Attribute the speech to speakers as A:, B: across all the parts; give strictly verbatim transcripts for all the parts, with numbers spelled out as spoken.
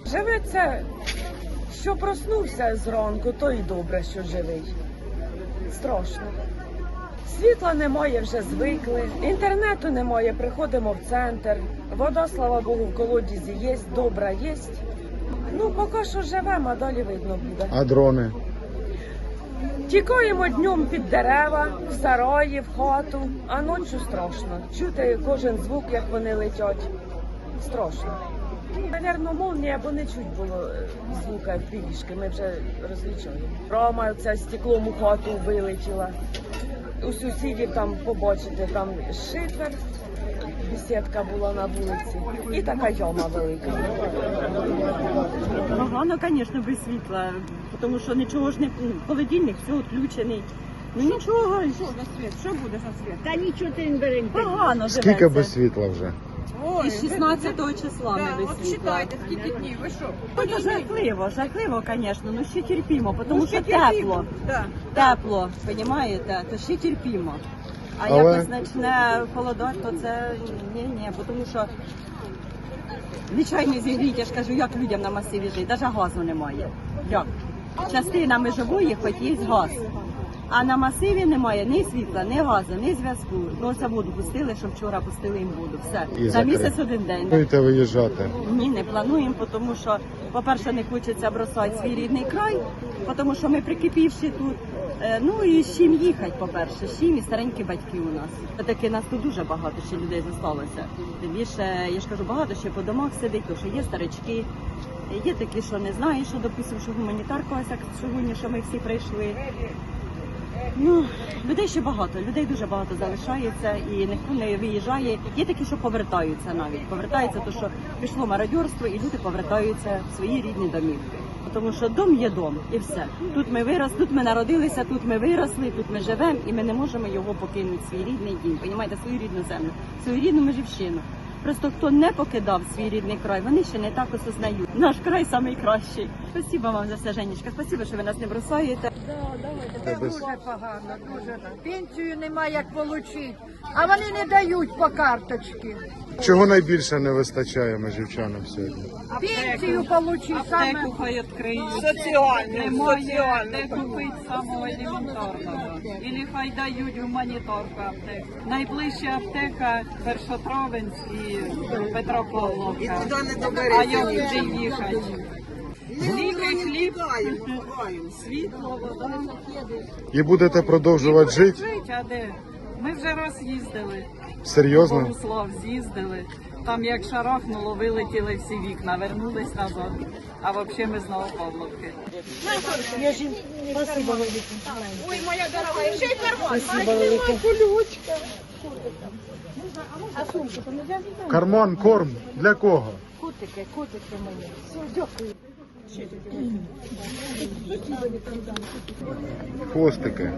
A: Живеться, що проснувся зранку, то і добре, що живий. Страшно. Світла немає, вже звикли, інтернету немає, приходимо в центр. Вода, слава Богу, в колодязі є, добра є. Ну, поки що живемо, а далі видно буде.
B: А дрони?
A: Тікаємо днем під дерева, в сараї, в хату, а ночі страшно. Чути кожен звук, як вони летять. Страшно. Навірно, молнія, бо не чуть було звука пілішки, ми вже розлічуємо. Рама ця стеклом у хату вилетіла. У сусідів там побачите, там шифер, бесідка була на вулиці і така яма велика.
C: Погано, звісно, без світла, тому що нічого ж не, холодильник, все відключений. Ну нічого, що за світ, що буде за світ?
D: Та нічого ти не бери.
C: Погано живеться.
B: Скільки без світла вже?
C: Ой, із шістнадцятого числа ми без
D: От
C: світла.
D: читайте, скільки днів, ви що?
C: Це жахливо, жахливо, звісно, ну ще терпімо, тому
D: Ну,
C: що
D: ще терпімо,
C: тепло.
D: да.
C: Тепло, розумієте, то ще терпімо. А
B: Але-
C: якось почне холодати, то це ні-ні, тому що звичайно зігріти, я ж кажу, як людям на масиві жити, навіть газу немає. Як? Частина межової, хоч є газ. А на масиві немає ні світла, ні газу, ні зв'язку. Ну, це воду пустили, що вчора пустили їм воду. Все.
B: І
C: За
B: закрили.
C: місяць один день.
B: Будете виїжджати?
C: Ні, не плануємо, тому що, по-перше, не хочеться бросати свій рідний край, тому що ми прикипівши тут. Е, Ну і з чим їхати, по-перше, з чим і старенькі батьки у нас. Таки нас тут дуже багато ще людей залишилося. Тим більше, я ж кажу, багато ще по домах сидить, тому що є старички, є такі, що не знають, що, допустимо, що гуманітарка ось як сьогодні, що ми всі прийшли. Ну, людей ще багато, людей дуже багато залишається і ніхто не виїжджає. Є такі, що повертаються навіть. Повертаються, тому що пішло мародьорство і люди повертаються в свої рідні домівки. Тому що дом є дом і все. Тут ми виросли, тут ми народилися, тут ми виросли, тут ми живемо і ми не можемо його покинути, свій рідний дім, понімаєте, свою рідну землю, свою рідну межівщину. Просто хто не покидав свій рідний край, вони ще не так осознають. Наш край найкращий. Спасибо вам за все, Женечка. Спасибо, що ви нас не бросаєте.
B: Це без-
D: Дуже погано, дуже. Пенсію немає як отримати, а вони не дають по карточці.
B: Чого найбільше не вистачає межівчанам сьогодні?
D: Пенсію отримати саме.
E: Аптеку хай відкриють.
D: Соціальну,
E: Немає
D: соціальну.
E: де купити самого елементарного. Ілі хай дають гуманітарку аптеку. Найближча аптека Першотравенськ і Петропавловка. А як туди їхати? Ліки, хліб, світло, вода.
B: І будете продовжувати жити?
E: Жить, а де? Ми вже раз їздили.
B: Серйозно?
E: Богуслав з'їздили. Там як шарахнуло, вилетіли всі вікна, вернулись назад. А взагалі ми з Новопавловки.
D: Ой, моя дорога, ще й карман.
A: Спасибо велике.
D: А сумку то не взяв?
B: Карман, корм для кого?
D: Котики, котики мої. Все, дякую.
B: Хвостики.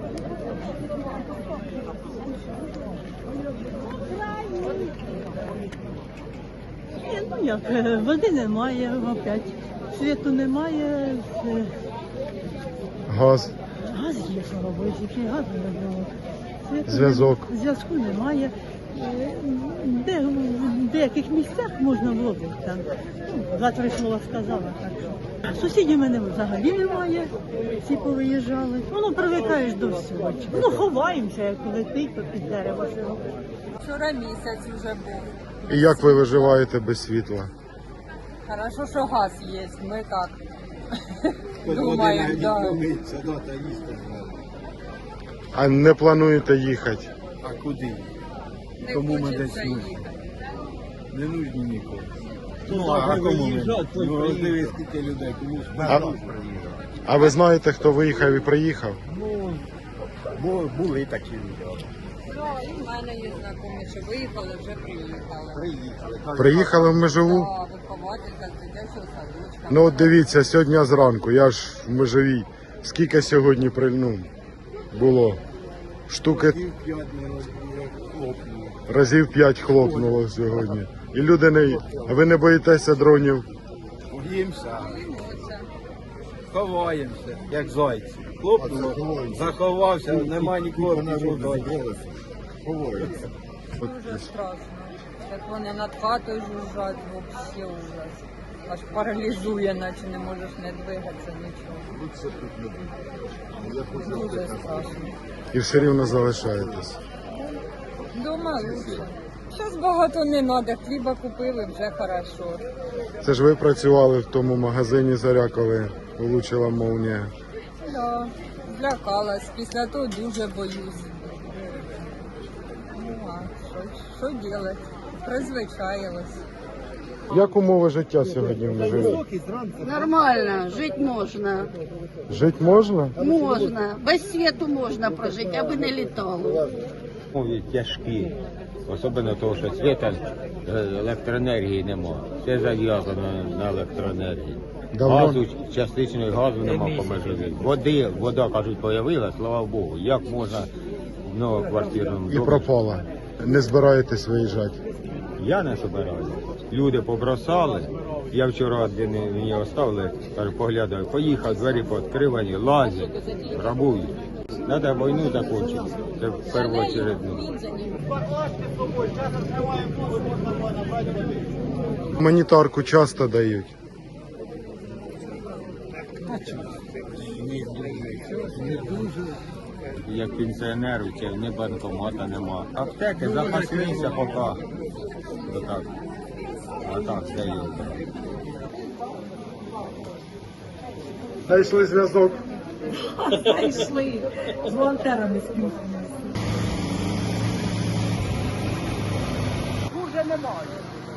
C: Ну як, е, води немає опять, світу немає, е,
B: Газ,
C: газ є, слава Богу, тільки газу не було. Світу
B: Зв'язок.
C: нем- Зв'язку немає. Е, Де, в деяких місцях можна водити там. Ну, Два-три слова сказала, так що. Сусідів мене взагалі немає, всі повиїжджали. Воно привикаєш до всього. Ну, ховаємося, як летить, то під дерево живемо.
E: Вчора місяць вже був.
B: І як ви виживаєте без світла?
E: Хорошо, що газ є, ми так думаємо. Да.
B: А не плануєте їхати?
F: А куди?
E: Не
F: Кому ми
E: хочеться
F: десь нужні?
E: їхати.
F: Не нужні нікому. Ну, а кому ми? Ну, роздивись, скільки людей, кому ж
B: А, а ви знаєте, хто виїхав і приїхав?
F: Ну, бу- були такі люди.
E: Ну, і в мене є знайомі, що виїхали, вже приїхали.
F: Приїхали.
B: Приїхали в Межову?
E: Да, вихователька з дитячого садочка.
B: Ну от дивіться, сьогодні зранку, я ж в Межовій. Скільки сьогодні при- ну, було? Штуки
F: Пів п'ять не хлопнуло.
B: разів п'ять хлопнуло сьогодні. І люди не... А ви не боїтеся дронів?
F: Боїмося,
E: Боїмося.
F: ховаємося, як зайці. Хлопнуло, заховався, нема нікого, пішов далі.
E: Дуже страшно.
G: Так вони над хатою жужжать, взагалі ужас. Аж паралізує, наче не можеш не двигатися, нічого. Дуже страшно.
B: І все рівно залишаєтесь.
G: Дома лучше. Зараз багато не треба, хліба купили, вже хорошо.
B: Це ж ви працювали в тому магазині «Заря», коли влучила молнія.
G: Да, злякалась, після того дуже боюсь. Ну, а що, що робити? Призвичаїлась.
B: Як умови життя сьогодні в Межирі?
H: Нормально, жити можна.
B: Жити можна?
H: Можна. Без світу можна прожити, аби не літало.
I: Умови тяжкі, особливо того, що світа, електроенергії немає. Все зав'язано на електроенергії.
B: Давно?
I: Газу, частичної газу немає по Межирі. Води, вода, кажуть, появилась, слава Богу. Як можна в новоквартирному
B: І
I: домі?
B: пропала. Не збираєтесь виїжджати?
I: Я не собираюся. Люди побросали. Я вчора один мені оставили, кажу, поглядаю, поїхав, двері пооткривані, лазять, грабують. Треба війну закінчити. Це в першу чергу.
B: Гуманітарку часто дають.
I: Як пенсіонеру, чи ні банкомата нема. Аптеки запаслися поки. Отак. А так, все є.
B: Знайшли зв'язок.
C: Знайшли. З волонтерами спілкуємося.
J: Дуже немає.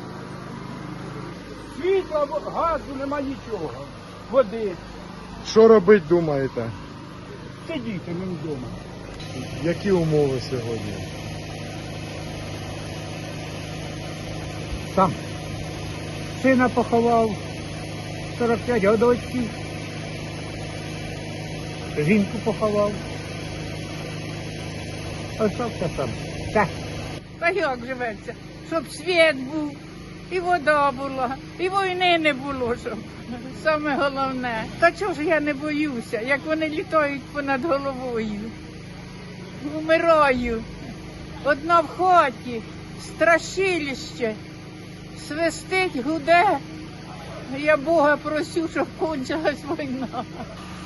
J: Світла, газу немає нічого. Води.
B: Що робити, думаєте?
J: Сидіти мені вдома.
B: Які умови сьогодні?
J: Сам. Сина поховав сорок п'ять годочків. Жінку поховав. Остався сам. Так.
D: Та як живеться? Щоб світ був, і вода була, і війни не було, щоб. Саме головне. Та чого ж я не боюся, як вони літають понад головою? Умираю. Одна в хаті, страшилище, свистить, гуде. Я Бога просю, щоб кончилась війна.